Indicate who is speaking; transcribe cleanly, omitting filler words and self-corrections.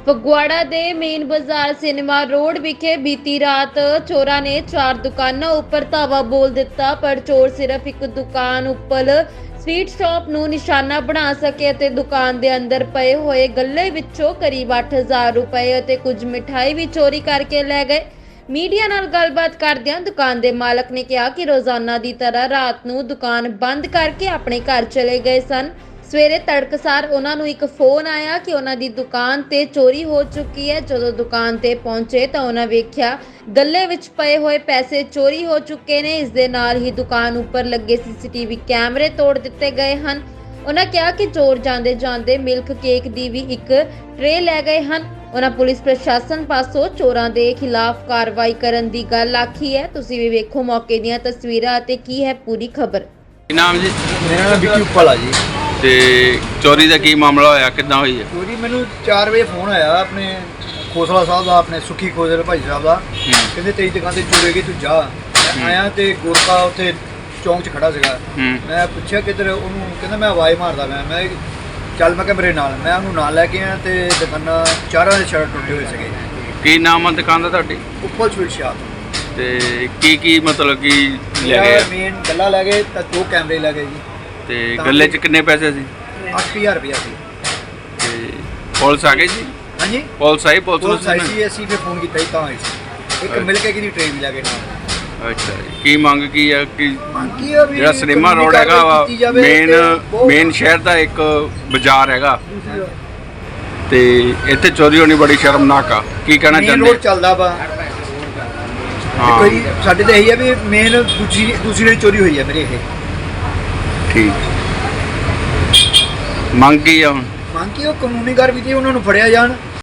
Speaker 1: ਫਗਵਾੜਾ ਦੇ ਮੇਨ ਬਾਜ਼ਾਰ cinema road ਵਿਖੇ ਬੀਤੀ ਰਾਤ ਚੋਰਾਂ ਨੇ 4 ਦੁਕਾਨਾਂ ਉੱਪਰ ਧਾਵਾ ਬੋਲ ਦਿੱਤਾ, ਪਰ ਚੋਰ ਸਿਰਫ ਇੱਕ ਦੁਕਾਨ ਉੱਪਰ ਸਵੀਟ ਸ਼ਾਪ ਨੂੰ ਨਿਸ਼ਾਨਾ ਬਣਾ ਸਕੇ ਅਤੇ ਦੁਕਾਨ ਦੇ ਅੰਦਰ ਪਏ ਹੋਏ ਗੱਲੇ ਵਿੱਚੋਂ ਕਰੀਬ 8000 ਰੁਪਏ ਅਤੇ ਕੁਝ ਮਿਠਾਈ ਵੀ ਚੋਰੀ ਕਰਕੇ ਲੈ ਗਏ। ਮੀਡੀਆ ਨਾਲ ਗੱਲਬਾਤ ਕਰਦਿਆਂ ਦੁਕਾਨ ਦੇ ਮਾਲਕ ਨੇ ਕਿਹਾ ਕਿ ਰੋਜ਼ਾਨਾ ਦੀ ਤਰ੍ਹਾਂ ਰਾਤ ਨੂੰ ਦੁਕਾਨ ਬੰਦ ਕਰਕੇ ਆਪਣੇ ਘਰ ਚਲੇ ਗਏ ਸਨ। ਸਵੇਰੇ ਤੜਕਸਾਰ ਉਹਨਾਂ ਨੂੰ ਇੱਕ ਫੋਨ ਆਇਆ ਕਿ ਉਹਨਾਂ ਦੀ ਦੁਕਾਨ ਤੇ ਚੋਰੀ ਹੋ ਚੁੱਕੀ ਹੈ। ਜਦੋਂ ਦੁਕਾਨ ਤੇ ਪਹੁੰਚੇ ਤਾਂ ਉਹਨਾਂ ਵੇਖਿਆ ਗੱਲੇ ਵਿੱਚ ਪਏ ਹੋਏ ਪੈਸੇ ਚੋਰੀ ਹੋ ਚੁੱਕੇ ਨੇ। ਇਸ ਦੇ ਨਾਲ ਹੀ ਦੁਕਾਨ ਉੱਪਰ ਲੱਗੇ ਸੀਸੀਟੀਵੀ ਕੈਮਰੇ ਤੋੜ ਦਿੱਤੇ ਗਏ ਹਨ। ਉਹਨਾਂ ਕਿਹਾ ਕਿ ਚੋਰ ਜਾਂਦੇ ਜਾਂਦੇ ਮਿਲਕ ਕੇਕ ਦੀ ਵੀ ਇੱਕ ਟਰੇ ਲੈ ਗਏ ਹਨ। ਉਹਨਾਂ ਪੁਲਿਸ ਪ੍ਰਸ਼ਾਸਨ ਪਾਸੋਂ ਚੋਰਾਂ ਦੇ ਖਿਲਾਫ ਕਾਰਵਾਈ ਕਰਨ ਦੀ ਗੱਲ ਆਖੀ ਹੈ। ਤੁਸੀਂ ਵੀ ਵੇਖੋ ਮੌਕੇ ਦੀਆਂ ਤਸਵੀਰਾਂ ਅਤੇ ਕੀ ਹੈ ਪੂਰੀ ਖਬਰ।
Speaker 2: ਕੀ ਨਾਮ ਜੀ?
Speaker 3: ਮੇਰਾ ਨਾਮ ਵਿੱਕੀ ਉੱਪਲ ਆ ਜੀ।
Speaker 2: ਤੇ ਚੋਰੀ ਦਾ ਕੀ ਮਾਮਲਾ ਹੋਇਆ, ਕਿੱਦਾਂ ਹੋਈ ਹੈ?
Speaker 3: ਚੋਰੀ ਮੈਨੂੰ 4 ਵਜੇ ਫੋਨ ਆਇਆ ਆਪਣੇ ਖੋਸਲਾ ਸਾਹਿਬ ਦਾ, ਆਪਣੇ ਸੁੱਖੀ ਖੋਸਲੇ ਭਾਈ ਸਾਹਿਬ ਦਾ। ਕਹਿੰਦੇ ਤੇਰੀ ਦੁਕਾਨ ਤੇ ਚੋਰੀ ਗਈ, ਤੂੰ ਜਾ। ਮੈਂ ਆਇਆ ਤੇ ਗੋਰਖਾ ਉੱਥੇ ਚੌਂਕ 'ਚ ਖੜਾ ਸੀਗਾ। ਮੈਂ ਪੁੱਛਿਆ ਕਿੱਧਰ, ਉਹਨੂੰ ਕਹਿੰਦਾ ਮੈਂ ਆਵਾਜ਼ ਮਾਰਦਾ ਮੈਂ ਚੱਲ, ਮੈਂ ਕਿਹਾ ਮੇਰੇ ਨਾਲ। ਮੈਂ ਉਹਨੂੰ ਨਾਲ ਲੈ ਕੇ ਆਇਆ ਤੇ ਦੁਕਾਨਾਂ ਚਾਰਾਂ ਦੇ ਸ਼ਟਰ ਟੁੱਟੇ ਹੋਏ ਸੀਗੇ।
Speaker 2: ਕੀ ਨਾਮ ਆ ਦੁਕਾਨ ਦਾ ਤੁਹਾਡੀ?
Speaker 3: Uppal sweet shop.
Speaker 2: ਤੇ ਕੀ ਮਤਲਬ ਕੀ ਲੈ ਗਏ?
Speaker 3: ਮੇਨ ਗੱਲਾ ਲੈ ਗਏ ਤਾਂ 2 ਕੈਮਰੇ ਲੈ ਗਏ ਜੀ।
Speaker 2: ਤੇ ਗੱਲੇ 'ਚ ਕਿੰਨੇ ਪੈਸੇ ਸੀ?
Speaker 3: 8000 ਰੁਪਇਆ ਸੀ।
Speaker 2: ਤੇ ਪੁਲਿਸ ਆ ਗਈ ਜੀ?
Speaker 3: ਹਾਂਜੀ,
Speaker 2: ਪੁਲਿਸ ਆਈ? ਪੁਲਿਸ
Speaker 3: ਆਈ ਸੀ। ਅਸੀਂ ਫਿਰ ਫੋਨ ਕੀਤਾ ਸੀ ਤਾਂ ਆਈ ਸੀ। ਇੱਕ ਮਿਲ ਕੇ ਦੀ ਟ੍ਰੇਨ ਵੀ ਲੈ ਗਏ ਨਾਲ।
Speaker 2: ਅੱਛਾ ਜੀ। ਕੀ ਮੰਗ ਕੀ ਆ ਕਿ
Speaker 3: ਬਾਕੀ ਆ ਵੀ
Speaker 2: ਜਿਹੜਾ ਸਿਨੇਮਾ ਰੋਡ ਹੈਗਾ ਵਾ ਮੇਨ ਸ਼ਹਿਰ ਦਾ ਇੱਕ ਬਾਜ਼ਾਰ ਹੈਗਾ ਤੇ ਇੱਥੇ ਚੋਰੀ ਹੋਣੀ ਬੜੀ ਸ਼ਰਮਨਾਕ ਆ। ਕੀ ਕਹਿਣਾ
Speaker 3: ਮੇਨ
Speaker 2: ਚਾਹੁੰਦੇ?
Speaker 3: ਰੋਡ ਚੱਲਦਾ ਵਾ।
Speaker 2: ਹਾਂ
Speaker 3: ਕੋਈ ਸਾਡੇ ਤਾਂ ਇਹੀ ਆ ਵੀ ਮੇਨ ਦੂਸਰੀ ਚੋਰੀ ਹੋਈ ਹੈ ਮੇਰੇ ਇਹ।
Speaker 2: ਠੀਕ। ਮੰਗ ਕੀ ਆ ਹੁਣ?
Speaker 3: ਮੰਗ ਕੀ ਉਹ ਕਾਨੂੰਨੀ ਕਾਰਵਾਈ ਉਹਨਾਂ ਨੂੰ ਫੜਿਆ ਜਾਣ।